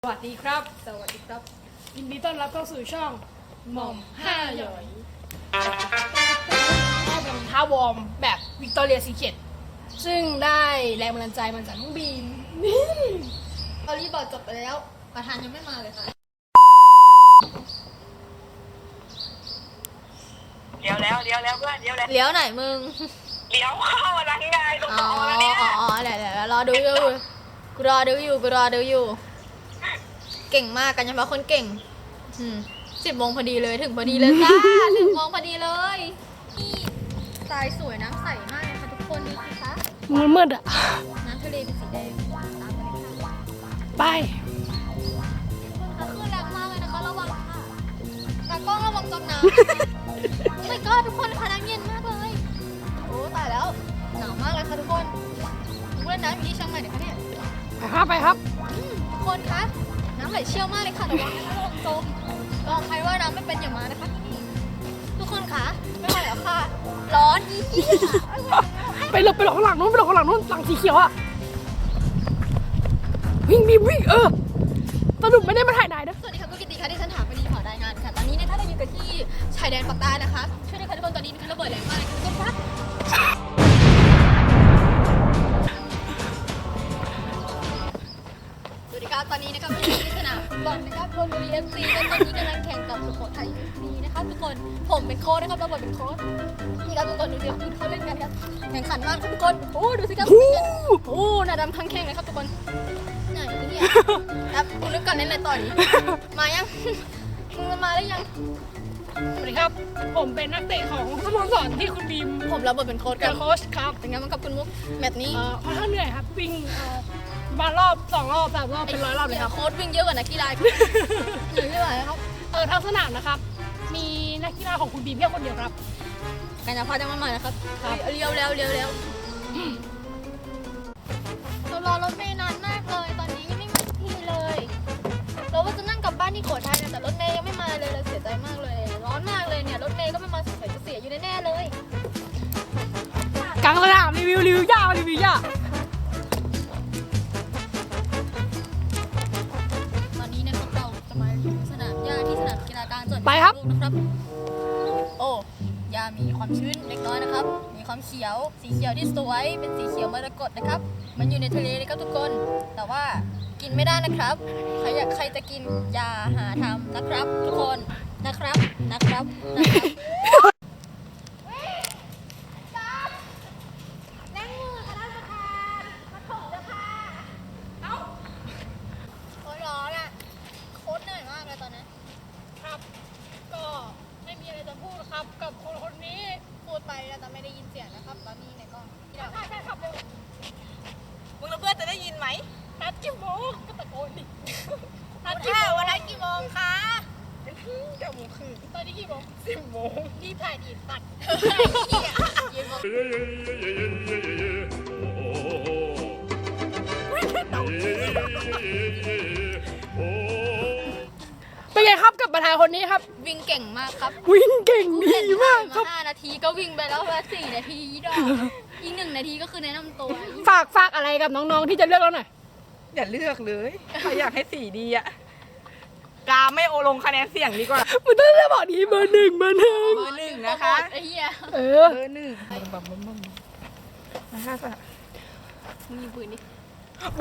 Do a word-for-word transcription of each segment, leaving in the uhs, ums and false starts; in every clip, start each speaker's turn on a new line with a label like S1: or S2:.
S1: สวัสดีครับสวัสดีครับยินดีต้อนรับเข้าสู่ช่องหม่อมห้าหยอยก็เป็นท่าวอร์มแบบวิกตอเรียซีเคร็ตซึ่งได้แรงบันดาลใจมาจากน้องบีมนี่ตอนนี้บอร์ดจบไปแล้วประธานยังไม่มาเลยค่ะ
S2: เลี้ยวแล้วเลี้ยวแล้วเพื่อนเลี้ยวแล้ว
S3: เลี้ยวไหนมึง
S2: เลี้ยวเข้าร้านไงตรง
S3: อ๋อ
S2: ต่อแล้วเนี่ย
S3: อ๋อเดี๋ยวเดี๋ยวรอดูอยู่กูรอดูอยู่กูรอดูอยู่เก่งมากกันเฉพาะคนเก่งสิบโมงพอดีเลยถึงพอดีเลยจ้าถึงโมงพอดีเลยนี่ทรายสวยน้ำใสมากเลยค่ะทุกคนดูสิคะ
S1: มันมืดอ่ะ
S3: น้ำทะเลเป็นสีแดงตามไปเลยค่ะ
S1: ไป
S3: คลื่นแรงมากเลยนะคะระวังค่ะตากล้องระวังจมน้ำโอ้ my god ทุกคนค่ะน้ำเย็นมากเลยโอ้ตายแล้วหนาวมากเลยค่ะทุกคนเล่นน้ำอยู่ที่เชียงใหม่เดี๋ยวคะเนี่ย
S1: ไปครับไปครับ
S3: ทุกคนคะน้ำไหลเชี่ยวมากเลยค่ะระวังนะคะระวังจมลองใครว่าน้ำไม่เป็นอย่ามานะคะที่นี่ทุกคนคะไม่ไหวแล้วค่ะร้อนอีก
S1: ไปหลบไปหลบข้างหลังนู้นไปหลบข้างหลังนู้นหลังสีเขียวอ่ะวิ่งบีมวิ่งเออสรุปไม่ได้มาถ่ายนายนะ
S3: สวัสดีค่ะคุณกิติค่ะที่ฉันถามไปดีขอรายงานค่ะตอนนี้เนี่ยถ้าเราอยู่กันที่ชายแดนปากใต้นะคะช่วยด้วยค่ะทุกคนตอนนี้นะคะระเบิดแรงมากเลยค่ะทุกคนคะสวัสดีครับตอนนี้นะครับอยู่ที่สนามบอลนะครับชลบุรี เอฟ ซีกันตอนนี้กำลังแข่งกับสุโขทัย เอฟ ซี นะครับทุกคนผมเป็นโค้ชนะครับระเบิดเป็นโค้ชนี่ครับทุกคนดูสิครับดูเขาเล่นกันครับแข่งขันมากครับทุกคนโอ้ดูสิครับโอ้หน้าดำทั้งแข่งเลยครับทุกคนไหนเนี่ยครับคุณนึกก่อนเล่นอะไรต่อดีมายังมึงมาหรือยัง
S1: สวัสดีครับผมเป็นนักเตะของสโมสรที่คุณบีม
S3: ผมรับบทเป็นโค้ชกั
S1: เป็น นโค้ชครับ
S3: เป็นไงบ้างครับคุณมุกแมตช์นี้
S1: เอ่อค่อนข้างเหนื่อยครับวิ่งเอ่อมารอบสองรอบสามรอบเป็นร้อยรอบเลยครับ
S3: โค้ชวิ่งเยอะกว่านักกีฬาเหนื่อยไม่ไหวครับ
S1: เออทั้งสนามนะครับมีนักกีฬาของคุณบีมแค่คนเดียวครับ
S3: กัญญาพัฒน์ยังไม่มานะครับ
S1: ครับ
S3: เลี้ยวแล้วเลี้ยวแล้วเรารอรถเมล์นานมากเลยตอนนี้ยังไม่มาที่เลยเราว่าจะนั่งกลับบ้านที่โขทัยนะแต่รถเมล์ยังไม่มาเลยเราเสียใจมากเลยร้อนมากเลยเนี่ยรถเมล์ก็ไม่มาสงสัยจะเสียอยู่แน่ๆเลย
S1: กลางสนามรีวิวรีวิวยาวรีวิวยาว
S3: ตอนนี้นะครับเราจะมาสนามหญ้าที่สนามกีฬากลางจังหวัด
S1: ไปครับ
S3: พิษณุโลกนะครับโอ้หญ้ามีความชื้นเล็กน้อยนะครับมีความเขียวสีเขียวที่สวยเป็นสีเขียวมรกตนะครับมันอยู่ในทะเลเลยครับทุกคน แต่ว่ากินไม่ได้นะครับใครอยากใครจะกินอย่าหาทำนะครับ ทุกคนนะครับนะครับนะครับโอ้ยร้อนอ่ะโคตรเหนื่อยมากเลยตอนนี้
S1: ครับก็ไม่มีอะไรจะพูดครับกับคนคนนี้
S3: พูดไปเราจะไม่ได้ยินเสียงนะครับตอนนี้ในกล้องที่เรา
S1: ใช่ใช่ครับเร็ว
S2: มึงและเพื่อนจะได้ยินไหม
S1: นัดกี่โมงก็ตะโกนดิ
S3: นัดกี่โมงวันนัดกี่โมงคะ
S1: เก้าโมงครึ่งตอนนี้กี่โมงสิบโมงรีบถ่ายดีตัด
S3: ยืนมอง
S1: เป็นไงครับกับประธานคนนี้ครับ
S3: วิ่งเก่งมากครับ
S1: วิ่งเก่งดีมากครับ
S3: ห้านาทีก็วิ่งไปแล้วละสี่นาทีดอกอีกหนึ่งนาทีก็คือแนะนำตัว
S1: ฝากฝากอะไรกับน้องๆที่จะเลือกเราหน่อย
S2: อย่าเลือกเลยใครอยากให้สีดีอะกาไม่โอลงคะแนนเสียงดีกว่า
S1: มันต้องจะบอกดีเบอร์หนึ่งเบอร์หนึ่ง
S2: เบอร์หนึ่งนะคะ
S3: ไอ้เหี้ย
S1: เออ
S2: เบอร์หนึ่งบัมบัมบัมนะคะสะ
S3: มึงยิงปืนดิ
S1: หมู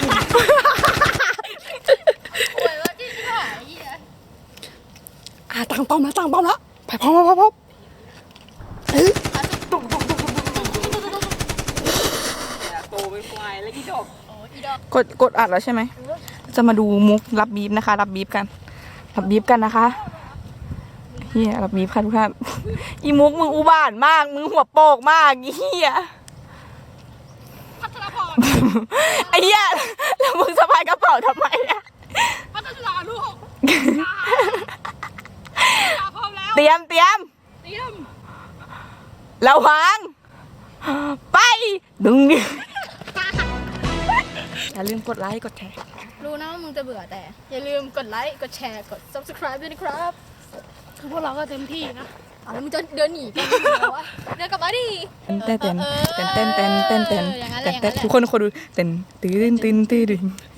S3: ป่วยว่าที่หายไอ้เหี้ย
S1: อ่ะตั้งป้อมแล้วตั้งป้อมแล้วไปพร้อมพร้อมพร้อมเอ้ย
S2: โตเป็นควายแล้วกี่ดอก
S3: โอ้ยอีดอก
S2: กดกดอัดแล้วใช่ไหมจะมาดูมุกรับบีบนะคะ รับบีบกัน รับบีบกันนะคะเฮียรับบีบค่ะทุกท่านอีมุกมึงอุบาทมากมึงหัวโปกมากอีเฮีย
S1: พัทรพร
S2: ไอ้เฮียแล้วมึงสะพายกระเป๋าทำไมอะ
S1: พัทรลูกพร้อมแล้ว
S2: เตรียมเตรียม
S1: เตรียม
S2: ระวังไปดึงดิอย่าลืมกดไลค์กดแชร์
S3: รู้นะว่ามึงจะเบื่อแต่ อย่าลืมกดไลค์กดแชร์กด subscribe ด้วยนะครับ
S1: คือพวกเราก็เต็มที่นะ
S3: เอาแล้วมึงจะเดินหนีกันเหรอวะเดินกลับมาดิ
S2: เต้นเต้นเต้นเต้นเต้นเต้นเต้นเต้น
S3: อย่างนั้นแห
S2: เต้
S3: ละ
S2: นเต้นทุกคนคนดูเต้นตื่นตื่นตื่นตื่น